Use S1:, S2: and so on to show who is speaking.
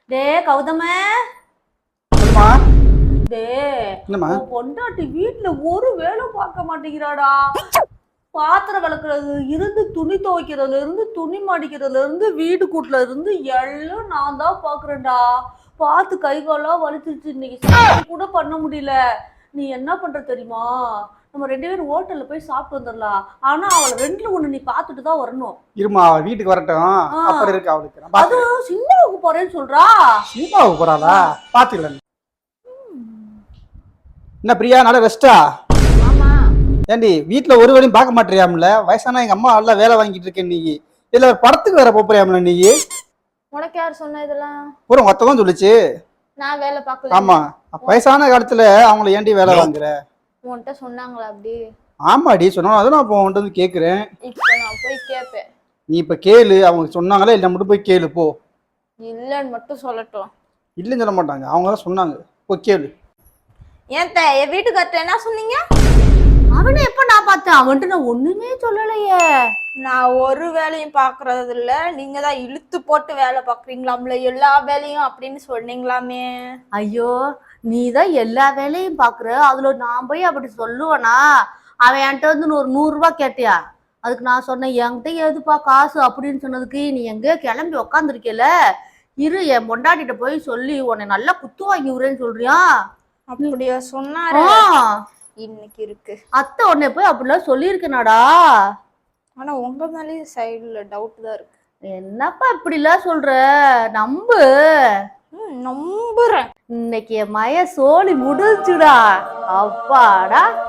S1: டே கௌதம,
S2: சொல்லுமா.
S1: டே
S2: என்னம்மா?
S1: உன் பொண்டாட்டி வீட்டுல ஒரு வேலை பார்க்க மாட்டேங்கிறாடா. பாத்திரம் விளக்குறது இருந்து, துணி துவைக்கிறதுல இருந்து, துணி மடிக்கிறதுல இருந்து, வீடு கூட்டுல இருந்து எல்லாம் நான் தான் பாக்குறேன்டா. பார்த்து கை காலாம் வலிச்சிருச்சு. இன்னைக்கு சமையல் கூட பண்ண முடியல. நீ என்ன பண்ற தெரியுமா? நம்ம 2 பேரும் ஹோட்டல்ல போய் சாப்பிட்டு வந்துடலாம். ஆனா அவளை 2ல 1 நீ பார்த்துட்டு தான் வரணும்.
S2: இருமா, அவ வீட்டுக்கு வரட்டும். அப்புறம் இருக்கு அவளுக்கு. நான்
S1: அது
S2: பாத்துக்கிறேன்.
S1: சினிமாவுக்கு போறேன்னு சொல்றா.
S2: சினிமாவுக்கு போறாளா? பாத்துக்கலாம். என்ன பிரியா, நல்ல ரெஸ்டா?
S1: ஆமா.
S2: ஏண்டி வீட்டுல ஒரு வேலையும் பார்க்க மாட்டேறியாம்ல? வயசான எங்க அம்மா நல்லா வேலை வாங்கிட்டு இருக்கேன் நீ. இதுல ஒரு படத்துக்கு வேற போறியாம்ல நீ?
S1: உனக்கு யார் சொன்ன இதெல்லாம்?
S2: பூரா மொத்தம் சொல்லுச்சு.
S1: நான் வேலை பார்க்கல.
S2: ஆமா, வயசான காலத்துல அவங்கள ஏண்டி வேலை வாங்குற?
S1: உன்கிட்ட சொன்னாங்களா அப்படி?
S2: ஆமாடி சொன்னாலும் அதை நான் இப்போ உன்கிட்ட வந்து கேட்குறேன்.
S1: இப்போ நான் போய் கேட்பேன்.
S2: நீ இப்போ கேளு, அவங்க சொன்னாங்களா இல்லை மட்டும் போய் கேளு போ.
S1: இல்லைன்னு மட்டும் சொல்லட்டும்.
S2: இல்லைன்னு சொல்ல மாட்டாங்க, அவங்க தான் சொன்னாங்க. போய் கேளு.
S1: ஏன் என் வீட்டுக்கார்ட்ட என்ன சொன்னீங்க? அவனை எப்ப நான் பார்த்தேன்? அவன்கிட்ட நான் ஒண்ணுமே சொல்லலையே. நான் ஒரு வேலையும் பாக்குறது இல்ல, நீங்க தான் இழுத்து போட்டு வேலை பாக்குறீங்களாம்ல எல்லா வேலையும் அப்படின்னு சொன்னீங்களாமே. ஐயோ, நீ தான் எல்லா வேலையும் பாக்குற, அதுல நான் போய் அப்படி சொல்லுவேனா? அவன் என்கிட்ட வந்து ஒரு 100 ரூபாய் கேட்டியா? அதுக்கு நான் சொன்னேன், என்கிட்ட எதுப்பா காசு அப்படின்னு சொன்னதுக்கு நீ எங்க கிளம்பி உக்காந்துருக்கல, இரு என் பொண்டாட்டிட்ட போய் சொல்லி உன்னை நல்லா குத்து வாங்கி விடுறேன்னு சொல்றியா? அப்படியா சொன்னாரு? இன்னைக்கு இருக்கு. அத்தை உன்னை போய் அப்படிலாம் சொல்லியிருக்கேனாடா. ஆனா உங்க மேலேயும் சைடுல டவுட் தான் இருக்கு. என்னப்பா இப்படிலாம் சொல்ற? நம்பு. நம்புறேன். இன்னைக்கு என் மய சோழி முடிச்சுடா. அப்பாடா.